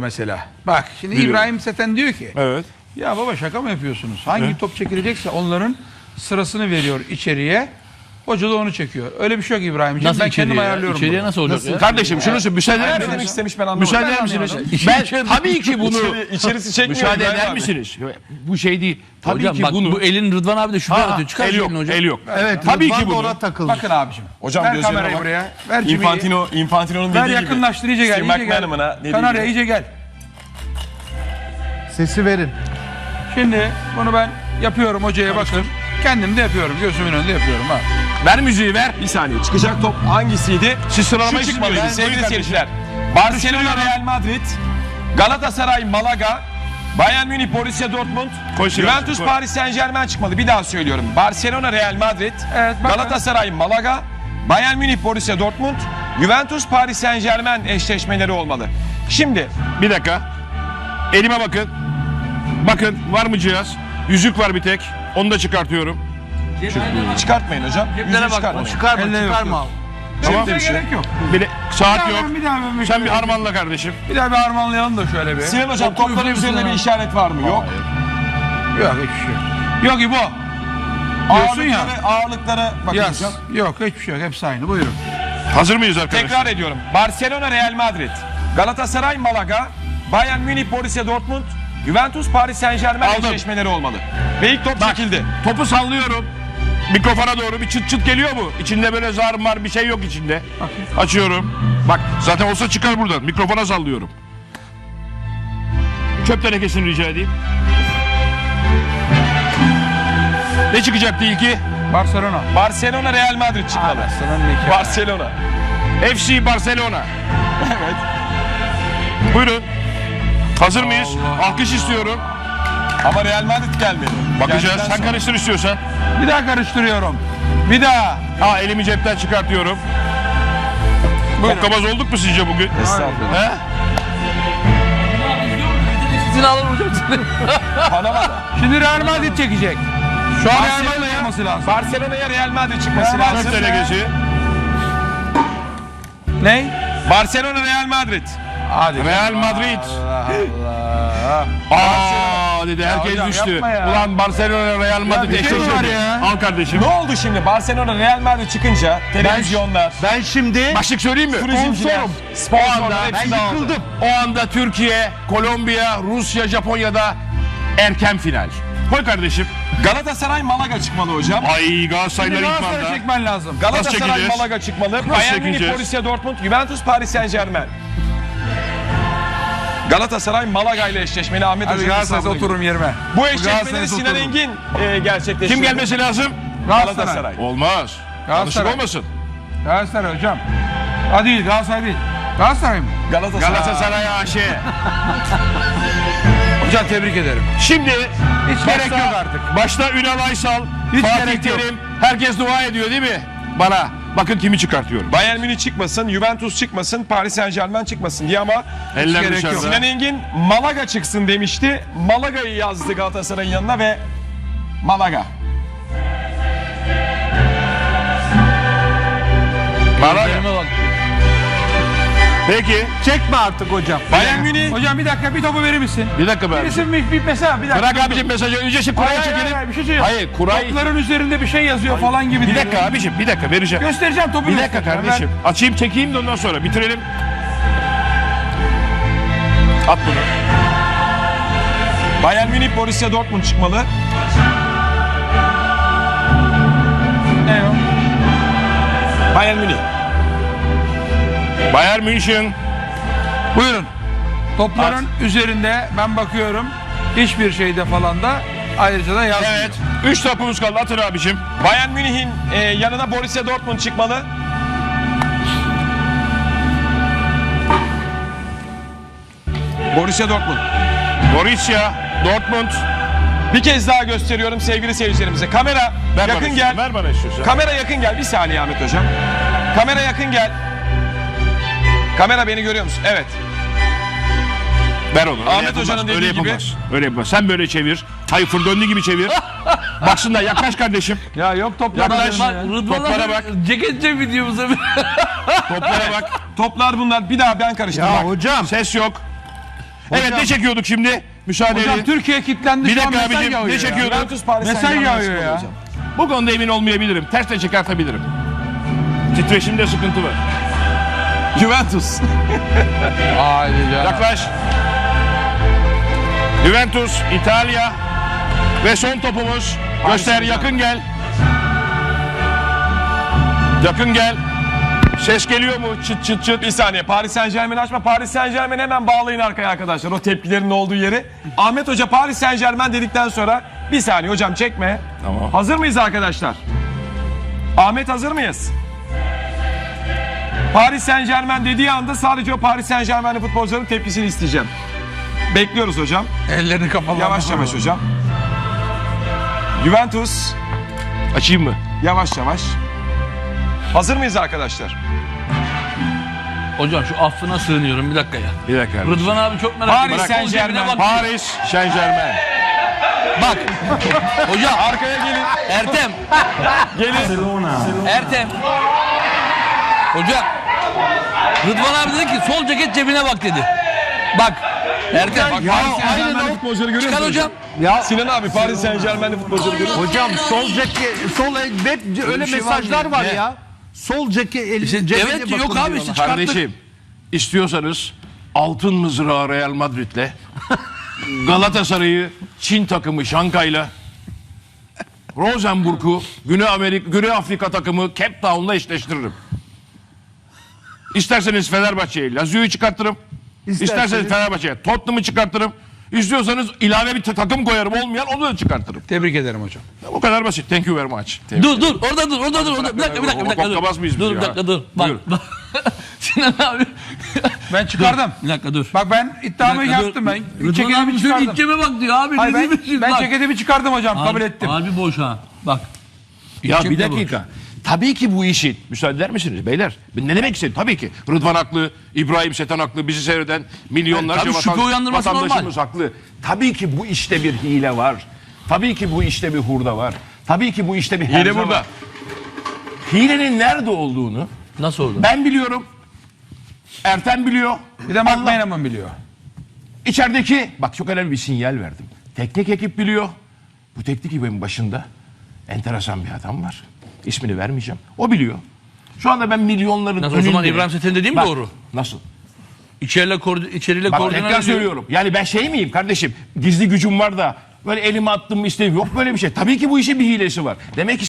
mesela. Bak şimdi Biliyorum. İbrahim Seten diyor ki Evet. ya baba şaka mı yapıyorsunuz? Hangi top çekilecekse onların sırasını veriyor içeriye. Hoca da onu çekiyor. Öyle bir şey yok İbrahimciğim. Nasıl Ben içeriye kendim ya? ayarlıyorum. İçeriye bunu. nasıl olacak ya? Kardeşim şunu söyle, müsaade eder Ne demek misiniz? istemiş ben anlamadım. Müsaade eder misiniz? Ben tabii ki bunu İçerisi çekmiyor. müsaade İbrahim eder abi. misiniz? Bu şey değil. Tabii Hocam ki bak bunu bu elin Rıdvan abi de şüphe atıyor. Çıkar el şu yok, elini hocam. el yok. Evet, Tabii Rıdvan ki da bunu. ona takıldı. Bakın abicim. Hocam ver gözlerine kamerayı bak. buraya. Ver cimeyi. Infantino'nun Ver dediği gibi. yakınlaştır iyice gel. Steve iyice gel. McManaman'a dediği Kanarya gibi. iyice gel. Sesi verin. Şimdi bunu ben yapıyorum hocaya bakın. Kendim de yapıyorum. Gözümün önünde yapıyorum ha. Ver müziği ver. Bir saniye. Çıkacak top hangisiydi? Siz sıralamayı Şu çıkmalıydı bilmiyorsunuz. sevgili Buyurun seyirciler. Barcelona, Real Madrid, Galatasaray, Malaga, Bayern Münih, Borussia Dortmund, Koy Sivas, Juventus, koy. Paris Saint-Germain çıkmalı. Bir daha söylüyorum. Barcelona, Real Madrid, Evet, bakın. Galatasaray, Malaga, Bayern Münih, Borussia Dortmund, Juventus, Paris Saint-Germain eşleşmeleri olmalı. Şimdi Bir dakika. Elime bakın. Bakın var mı cihaz? Yüzük var bir tek. Onu da çıkartıyorum. çıkartmayın hocam. Yüzüğü bak. çıkartmayın. Çıkarma, Elle yok, çıkarma. yok. Tamam. Şimdi gerek yok. Saat yok. Bir daha ben Sen bir harmanla kardeşim. Bir daha bir harmanlayalım da şöyle bir. Sinan hocam topların üfleyin üzerinde Sinan bir abi. işaret var mı? Yok. Yok hiçbir şey yok. Yok İbo. Diyorsun ya. Ağırlıklara bakın Yaz. hocam. Yok hiçbir şey yok. Hepsi aynı. Buyurun. Hazır mıyız arkadaşlar? Tekrar ediyorum. Barcelona, Real Madrid, Galatasaray, Malaga, Bayern Münih, Borussia Dortmund, Juventus, Paris Saint-Germain Aldım. eşleşmeleri olmalı. Ve ilk top çekildi. Topu sallıyorum. Mikrofona doğru bir çıt çıt geliyor mu? İçinde böyle zar mar bir şey yok içinde. Açıyorum. Bak zaten olsa çıkar buradan. Mikrofona sallıyorum. Çöp tenekesini rica edeyim. Ne çıkacaktı ilki? Barcelona. Barcelona, Real Madrid çıkmalı. Barcelona'nın iki. Barcelona. FC Barcelona. Evet. Buyurun. Hazır mıyız? Alkış istiyorum. Ama Real Madrid gelmedi. Bakacağız. Geldikten Sen sonra. karıştır istiyorsan. Bir daha karıştırıyorum. Bir daha. Ha elimi cepten çıkartıyorum. Hokkabaz olduk mu sizce bugün? Estağfurullah. He? Sizin alır hocam. Panama'da. Şimdi Real Madrid çekecek. Şu an Real Madrid Barcelona'ya yapması lazım. Barcelona'ya Real Madrid çıkması Real lazım. Çöp tenekesi. Ney? Barcelona, Real Madrid. Hadi. Real Madrid. Allah. Aa dedi herkes hocam düştü. yapma ya. Ulan Barcelona Real Madrid bir şey var eşleşmedi. ya. Al kardeşim. Ne oldu şimdi? Barcelona, Real Madrid çıkınca televizyonlar, Ben şimdi Başlık söyleyeyim mi? turizmciler, sponsorlar ben hepsi dağıldı. yıkıldım. O anda Türkiye, Kolombiya, Rusya, Japonya'da erken final. Koy kardeşim. Galatasaray, Malaga çıkmalı hocam. Ay Galatasaraylar ilk Galatasaray'a manda. çekmen lazım. Galatasaray, çekeceğiz? Malaga çıkmalı. Bayern Münih, çekeceğiz? Borussia Dortmund, Juventus, Paris Saint-Germain. Galatasaray, Malaga ile eşleşmeli Ahmet Hadi Hoca'nın Galatasaray'a hesabına göre. oturum yerime. Bu eşleşmeleri Galatasaray'a Sinan oturum. Engin gerçekleştiriyor. Kim gelmesi lazım? Galatasaray. Olmaz. Yanlışlık Galatasaray. olmasın. Galatasaray hocam. Ha değil Galatasaray değil. Galatasaray mı? Galatasaray AŞ. Hocam tebrik ederim. Şimdi Hiç gerek yok artık. Başta Ünal Aysal, Hiç Fatih gerek yok. Terim, herkes dua ediyor değil mi? Bana. Bakın kimi çıkartıyorum. Bayern Münih çıkmasın, Juventus çıkmasın, Paris Saint-Germain çıkmasın diye ama Eller gerek dışarıda. yok. Sinan Engin Malaga çıksın demişti. Malaga'yı yazdı Galatasaray'ın yanına ve Malaga. Elime bak. Peki. çekme artık hocam. Bayern Münih Hocam bir dakika bir topu verir misin? Bir dakika be. Birisi bir mesela bir dakika. Bırak abicim mesajı. Önce şu kurayı Hayır, çekelim. hayır, bir şey söyleyeyim. Hayır kurayı. Topların üzerinde bir şey yazıyor falan gibi. Bir diyor. dakika abicim bir dakika vereceğim. Göstereceğim topu. Bir dakika göstereceğim. kardeşim. Açayım çekeyim de ondan sonra bitirelim. At bunu. Bayern Münih, Borussia Dortmund çıkmalı. Ben... Ne o? Bayern Münih. Bayern München. Buyurun. Topların üzerinde ben bakıyorum. Hiçbir şeyde falan da ayrıca da yazmıyor. Evet. 3 topumuz kaldı. Atın abicim. Bayern Münih'in yanına Borussia Dortmund çıkmalı. Borussia Dortmund. Borussia Dortmund. Bir kez daha gösteriyorum sevgili seyircilerimize. Kamera Ver bana yakın istiyorsan, gel. Ver bana istiyorsan. Kamera yakın gel. Bir saniye Ahmet Hocam. Kamera yakın gel. Kamera beni görüyor musun? Evet. Ver onu. Öyle Ahmet yapılmaz, Hoca'nın öyle dediği gibi. yapılmaz. Öyle yapılmaz. Sen böyle çevir. Tayfur döndüğü gibi çevir. Baksınlar yaklaş kardeşim. Ya yok toplar Yaklaş. üzerinde ya. Rıdvan Toplara abi bak. ceket videomuza Toplara bak. Toplar bunlar. Bir daha ben karıştırdım. Ya Bak. hocam Ses yok. Evet ne çekiyorduk şimdi? Müsaade Hocam edin. Türkiye kilitlendi. Bir şu an dakika mesaj abicim, yağıyor ne ya. çekiyorduk? Juventus Paris Mesaj Saint-Germain yağıyor ya. hocam. Bu konuda emin olmayabilirim. Ters de çıkartabilirim. Titreşimde sıkıntı var. Juventus. Haydi canım. Yaklaş. Juventus, İtalya ve son topumuz. Göster, yakın gel. Yakın gel. Ses geliyor mu? Çıt çıt çıt. Bir saniye, Paris Saint-Germain açma. Paris Saint-Germain hemen bağlayın arkaya arkadaşlar. O tepkilerin olduğu yeri. Ahmet Hoca Paris Saint-Germain dedikten sonra bir saniye hocam çekme. Tamam. Hazır mıyız arkadaşlar? Ahmet hazır mıyız? Paris Saint-Germain dediği anda sadece o Paris Saint-Germain'li futbolcuların tepkisini isteyeceğim. Bekliyoruz hocam. Ellerini kapalı. Yavaş yavaş hocam. Juventus. Açayım mı? Yavaş yavaş. Hazır mıyız arkadaşlar? Hocam şu affına sığınıyorum bir dakika ya. Bir dakika. kardeşim. Rıdvan abi çok merak Paris ediyorum. Sol cebine Saint-Germain. bak. Paris Saint-Germain. Bak. Hocam Arkaya gelin. Ertem. Gelin. Ertem. Hocam. Rıdvan abi dedi ki sol ceket cebine bak dedi. Bak. Ertem. Bak, Paris Saint-Germain'li futbolcuları görüyor Çıkar musun hocam. Sinan abi Paris Saint-Germain'li futbolcuları görüyor musun? Hocam sol ceket, sol el, hep öyle şey mesajlar var Ne? ya. Sol ceket, el, İşte cebine evet bakın yok abi diyorlar. işte çıkarttık. Kardeşim istiyorsanız altın mızrağı Real Madrid'le Galatasaray'ı Çin takımı Şankay'la Rosenburg'u Güney Afrika takımı Cape Town'la eşleştiririm. İsterseniz Fenerbahçe'yi Lazio'yu çıkartırım. İsterseniz Fenerbahçe'ye Tottenham'ı çıkartırım. İstiyorsanız ilave bir takım koyarım olmayan onu da çıkartırım. Tebrik ederim hocam. Bu kadar basit. Thank you very much. Dur orada dur orada. Bir dakika dur. Koklamaz mıyız biz Dur ya? bir dakika dur. Bak. Buyur. bak. Sinan abi. Ben çıkardım. Bir dakika dur. Bak ben iddiamı Bir dakika, yaptım dur. ben. Rıdvan Ceketimi abi senin çıkardım. içime bak diyor abi. Hayır, ne diyorsun? ben Bak. ceketimi çıkardım hocam. Kabul ettim. Harbi boş ha. Bak. Ya İçim bir de dakika. Tabii ki bu işin, müsaade eder misiniz beyler? Ne demek istedim? Tabii ki. Rıdvan haklı, İbrahim Seten haklı, bizi seyreden milyonlarca Evet, tabii şüphe uyandırması vatandaşımız haklı. Tabii ki bu işte bir hile var. Tabii ki bu işte bir hurda var. Tabii ki bu işte bir Hile herze burada. var. Hilenin nerede olduğunu Nasıl oldu? ben biliyorum. Ertem biliyor. Bir de Mark Meneman biliyor. İçerideki, bak çok önemli bir sinyal verdim. Teknik ekip biliyor. Bu teknik ekibin başında enteresan bir adam var. İsmini vermeyeceğim. O biliyor. Şu anda ben milyonların Nasıl, önünde... o zaman İbrahim Seten dediğim Bak, doğru. Nasıl? İçeriyle Bak koordinat tekrar ediyor. söylüyorum. Yani ben şey miyim kardeşim? Gizli gücüm var da böyle elime attım mı isteyeyim. Yok böyle bir şey. Tabii ki bu işin bir hilesi var. Demek ki